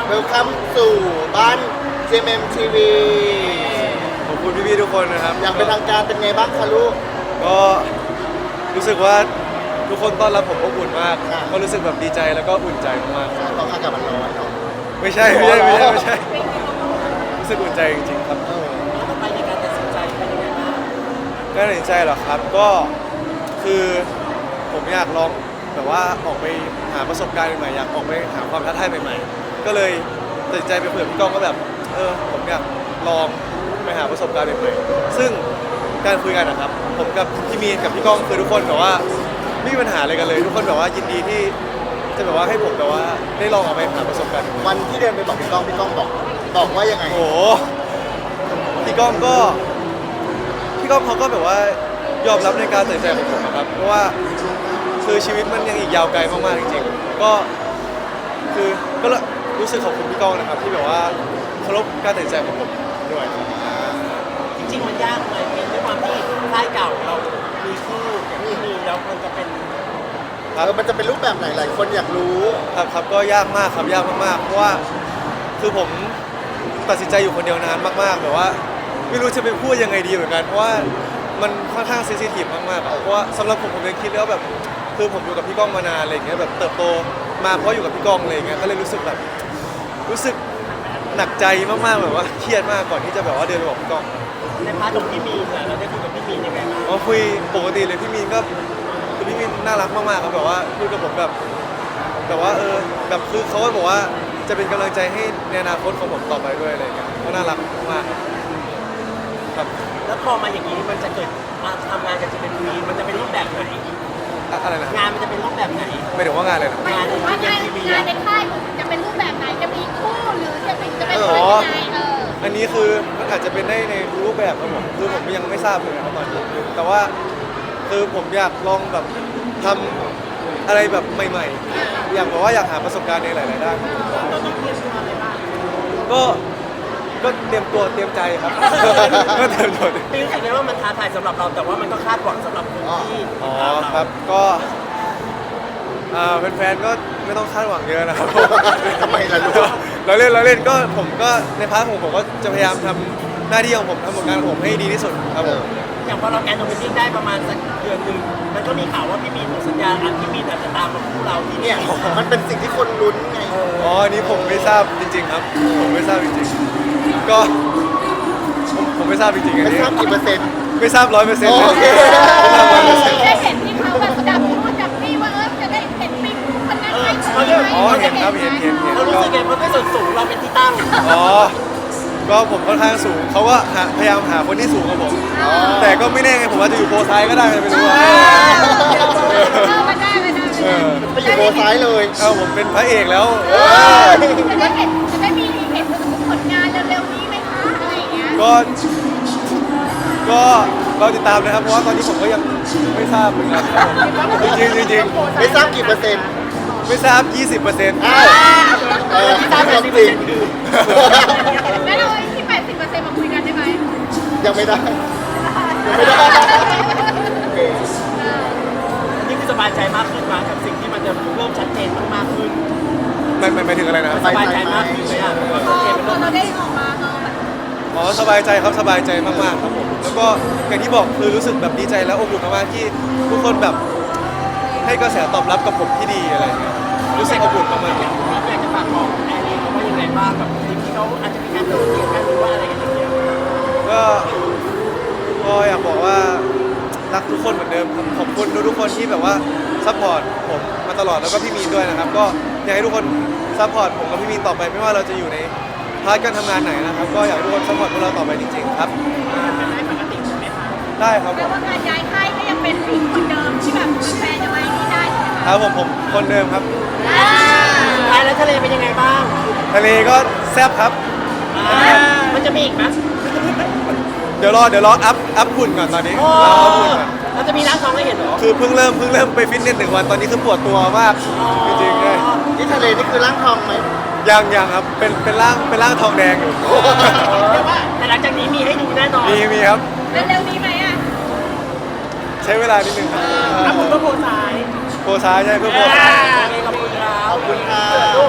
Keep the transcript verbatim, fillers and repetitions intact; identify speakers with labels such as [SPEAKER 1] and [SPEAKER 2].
[SPEAKER 1] วลคัมสู่บ้าน จี เอ็ม เอ็ม ที วี
[SPEAKER 2] ขอบคุณพี่ๆทุกคนนะครับ
[SPEAKER 1] อย่างเป็นทางการเป็นไงบ้างคะลูก
[SPEAKER 2] ก็รู้สึกว่าทุกคนต้อนรับผมอบอุ่นมาก
[SPEAKER 1] อ่า
[SPEAKER 2] ก็รู้สึกแบบดีใจแล้วก็อุ่นใจมาก
[SPEAKER 1] ตอนอากาศมันร้อนเนาะ
[SPEAKER 2] ๆไม่ใช่ไม่ใช่ไม่ใช่ไม่ใช่รู้สึกอุ่นใจจริงๆครับ
[SPEAKER 1] เออ
[SPEAKER 3] ต่อไปในการตัดสินใจเป็นยังไงบ้าง
[SPEAKER 2] การตัดสินใจเหรอครับก็คือผมอยากลองแบบว่าออกไปหาประสบการณ์ใหม่ๆอยากออกไปหาความท้าทายใหม่ๆก็เลยตัดสินใจไปคุยกับพี่ก้องก็แบบเออผมอยากลองไปหาประสบการณ์ใหม่ๆซึ่งการคุยกันนะครับผมกับพี่มีนกับพี่ก้องคือทุกคนแบบว่าไม่มีปัญหาอะไรกันเลย ทุกคนแบบว่ายินดีที่จะแบบว่าให้ผมแบบว่าได้ลองออกไปหาประสบการณ์
[SPEAKER 1] วันที่เดินไปบอกพี่ก้องพี่ก้องบอกบอกว่ายังไง
[SPEAKER 2] โอ้โหพี่ก้องก็พี่ก้องเขาก็แบบว่ายอมรับในการตัดสินใจของผมนะครับเพราะว่าคือชีวิตมันยังอีกยาวไกลมากๆจริงๆก็คือก็รู้สึกขอบคุณพี่ก้องนะครับที่แบบว่าเคารพการตัดสินใจของผมด้วย
[SPEAKER 3] จริงๆมันยากไหมเป็นด้วยความที่ค่ายเก่าเรามีคู่อย่างที่มีแล้วมันจะเป็น
[SPEAKER 1] เออมันจะเป็นรูปแบบไหนหลายคนอยากรู้
[SPEAKER 2] ครับครับก็ยากมากครับยากมากๆเพราะว่าคือผมตัดสินใจอยู่คนเดียวนานมากๆแบบว่าไม่รู้จะไปพูดยังไงดีเหมือนกันเพราะว่ามันค่อนข้างเซนซิทีฟมากๆอะเพราะว่าสำหรับผมผมยังคิดแล้วแบบคือผมอยู่กับพี่ก้องมานานอะไรอย่างเงี้ยแบบเติบโตมาเพราะอยู่กับพี่ก้องอะไรอย่างเงี้ยก็เลยรู้สึกแบบรู้สึกหนักใจมากๆแบบว่าเครียดมากก่อนที่จะแบบว่าเดินไปบอกพี่ก้อง
[SPEAKER 3] ในพาร์ทของพี่มีนเนี่ยเราได้คุยกับพี่มีนยังไงบ้าง
[SPEAKER 2] ก็คุยปกติเลยพี่มีนก็คือพี่มีนน่ารักมากๆครับแบบว่าพูดกับผมแบบแบบว่าเออแบบคือเขาก็บอกว่าจะเป็นกำลังใจให้ในอนาคตของผมต่อไปด้วยอะไรอย่างเงี้ยก็น่ารักมากครับ
[SPEAKER 3] แล้วพอมาอย่างนี้มันจะเกิดมาทำงานกันจะเป็นมีมันจะเป็นรูปแบบไหน
[SPEAKER 2] อะอะไรนะ
[SPEAKER 3] งานมันจะเป็นรูปแบบไหน
[SPEAKER 2] ไม่ถึงว่างานเลยนะ
[SPEAKER 4] หมายถึงว่างานงานในค่ายจะเป็นรูปแบบไหนจะมีคู่หรือจะเป็นจะเป็นอะไรยังไงเออ
[SPEAKER 2] อันนี้คือมันอาจจะเป็นได้ในรูปแบบครับผมคือผมยังไม่ทราบเลยนะครับตอนนี้แต่ว่าคือผมอยากลองแบบทำอะไรแบบใหม่ๆ อยากบอกว่าอยากหาประสบการณ์ในหลายๆด้าน
[SPEAKER 3] เราต้องเตรียมตัวอะไรบ้าง
[SPEAKER 2] ก็ก็เตรียมตัวเตรียมใจครับ ก็เตรียมตัว
[SPEAKER 3] ปีรู้สึกไหมว่ามันท้าทายสำหรับเราแต่ว่ามันก็คาดหวังสำหรับคนที่
[SPEAKER 2] อ๋อ
[SPEAKER 3] ตามเรา
[SPEAKER 2] ครับก็อ่าแฟนๆก็ไม่ต้องคาดหวังเยอะนะครับ
[SPEAKER 1] ทำไมล่ะลูก
[SPEAKER 2] เราเล่นเราเล่นก็ผมก็ในพาร์ทของผมก็จะพยายามทำหน้าที่ของผมทำผลงานของผมให้ดีที่สุดครับผม
[SPEAKER 3] อย่างพอเราแกนโนมิติ้งได้ประมาณสักเดือนหนึ่งมันก็มีข่าวว่าพี่มีนหมดสัญญาอันพี่มีนอาจจะตามมาคู่เราที่
[SPEAKER 1] เนี่
[SPEAKER 3] เนี่ย ย
[SPEAKER 1] มันเป็นสิ่งที่คนลุ้นไง
[SPEAKER 2] อ๋ออันนี้ผมไม่ทราบจริง ๆ ครับ ผมไม่ทราบจริงๆก็ผมผมไม่ทราบจริงๆอัน
[SPEAKER 1] ไม่
[SPEAKER 2] นี้
[SPEAKER 1] ทราบกี่เปอร์เซ็นต์
[SPEAKER 2] ไม่ทราบร้อยเปอร์เซ็นต์
[SPEAKER 1] โอเค
[SPEAKER 2] ไม่ทราบร้อยเปอร์เซ็นต์
[SPEAKER 4] ได้เห็นที่เขาแบบจับคู่จับนี่ว่าเออจะได้เห็นปิ๊กคนนั้นไหม
[SPEAKER 2] อ๋อเห็นครับเห็นเห็นเห็น
[SPEAKER 3] เรารู้สึกไงเพราะด้วยส่วนสูงเราเป็นที่ตั้ง
[SPEAKER 2] อ๋อ ก็ผมค่อนข้างสูง เขาก็หาพยายามหาคนที่สูงกว่าผม แต่ก็ไม่แน่ไงผมอาจจะอยู่โพซ้ายก็ได้ไม่รู้ว่า
[SPEAKER 4] เออไม่ได้ไม่ได้
[SPEAKER 2] เออ
[SPEAKER 1] ไปอยู่โบซ้ายเลย
[SPEAKER 2] เอาผมเป็นพระเอกแล้ว
[SPEAKER 1] เอ้ย
[SPEAKER 4] จะได้เห็นจะได้มีเห็นผลงานเร็วๆนี้ไหมคะอะไรอย่างเงี้ย
[SPEAKER 2] ก็ ก็เราติดตามนะครับ เพราะว่าตอนนี้ผมก็ยังไม่ทราบเหมือนกันครับผมจริงๆจริง
[SPEAKER 1] ไม่ทราบกี่เปอร์เซ็นต์
[SPEAKER 2] ๆไม่ทราบ ยี่สิบเปอร์เซ็นต์
[SPEAKER 1] อ้าวเออที่ทราบจริง
[SPEAKER 4] แล้วเราที่แปดสิบเปอร์เซ็นต์มาคุยกันได้ไหม
[SPEAKER 1] ยังไม่ได้ยังไม่ได้โอเค
[SPEAKER 3] อันนี้คือสบายใจมากขึ้นมากับสิ่งที่มันจะเริ่มชัดเจนมากๆขึ้น
[SPEAKER 2] มันมันหมายถึงอะไรนะครับ
[SPEAKER 3] สบายใจมากขึ้นเลยอ่ะ
[SPEAKER 4] พอพอเราได้ออกมาเออแบบ
[SPEAKER 2] อ๋อสบายใจครับสบายใจมากๆครับผมแล้วก็อย่างที่บอกคือรู้สึกแบบดีใจและอบอุ่นมากๆที่ทุกคนแบบให้กระแสตอบรับกับผมที่ดีอะไรอย่างเงี้ยรู้สึกอบอุ่นมากๆ
[SPEAKER 3] อยากจะฝากบอกแอร์ลีเขาว่ายังไงบ้างกับทีมที่เขาอาจจะมีการโดดเดี่ยวกันหรือว่าอะไรกันอย่างเงี้ย
[SPEAKER 2] ก็ก็อยากบอกว่ารักทุกคนเหมือนเดิมครับขอบคุณทุกๆคนที่แบบว่าซัพพอร์ตผมมาตลอดแล้วก็พี่มีนด้วยนะครับ ก็อยากให้ทุกคนซัพพอร์ตผมกับพี่มีนต่อไปไม่ว่าเราจะอยู่ในพาร์ทการทำงานไหนนะครับ ก็อยากให้ทุกคนซัพพอร์ตพวกเราต่อไปจริงๆครับ
[SPEAKER 3] เป็นได้ปกติใช่ไหมคะ
[SPEAKER 2] ได้ครับ
[SPEAKER 4] แป
[SPEAKER 2] ผ
[SPEAKER 4] ล
[SPEAKER 2] ม
[SPEAKER 4] ว่างานย้ายค่ายก็ยังเป็นผู้คนเดิมที่แบบแฟนจะมาที่ได้ใช่ไหม
[SPEAKER 2] ค
[SPEAKER 4] คะ
[SPEAKER 2] รับผมผมคนเดิมครับ
[SPEAKER 3] สุดท้ายแล้วทะเลเป็นยังไงบ้าง
[SPEAKER 2] ทะเลก็แซ่บครับ
[SPEAKER 3] มันจะมีอีกไหม
[SPEAKER 2] เดี๋ยวรอเดี๋ยวรออัพอัพหุ่นก่อนตอนนี้
[SPEAKER 3] โอ้
[SPEAKER 2] รออัพหุ่นก่อน
[SPEAKER 3] เราจะมีร้านทองให้เห็นเหรอ
[SPEAKER 2] คือเพิ่งเริ่มเพิ่งเริ่มไปฟิตเนสหนึ่งวันตอนนี้คือปวดตัวมากจริงๆเลย
[SPEAKER 1] ที่ทะเลนี่คือร่างทองไหม
[SPEAKER 2] ยังยังครับเป็นเป็นร่างเป็นร่างทองแดงอยู่
[SPEAKER 3] เรียกว่าแต่หลังจากนี้มีให้ดูแน่นอน
[SPEAKER 2] มีมีครับ
[SPEAKER 4] เร็วๆนี้ไหมอ่ะ
[SPEAKER 2] ใช้เวลานิดนึงครับ
[SPEAKER 3] ถ้าผมก็โพสาย
[SPEAKER 2] โพซ้ายใช่เพื่อโพ
[SPEAKER 3] อ่า
[SPEAKER 2] ซ้าย
[SPEAKER 3] ขอบคุณครับ
[SPEAKER 1] ขอบคุณค่ะ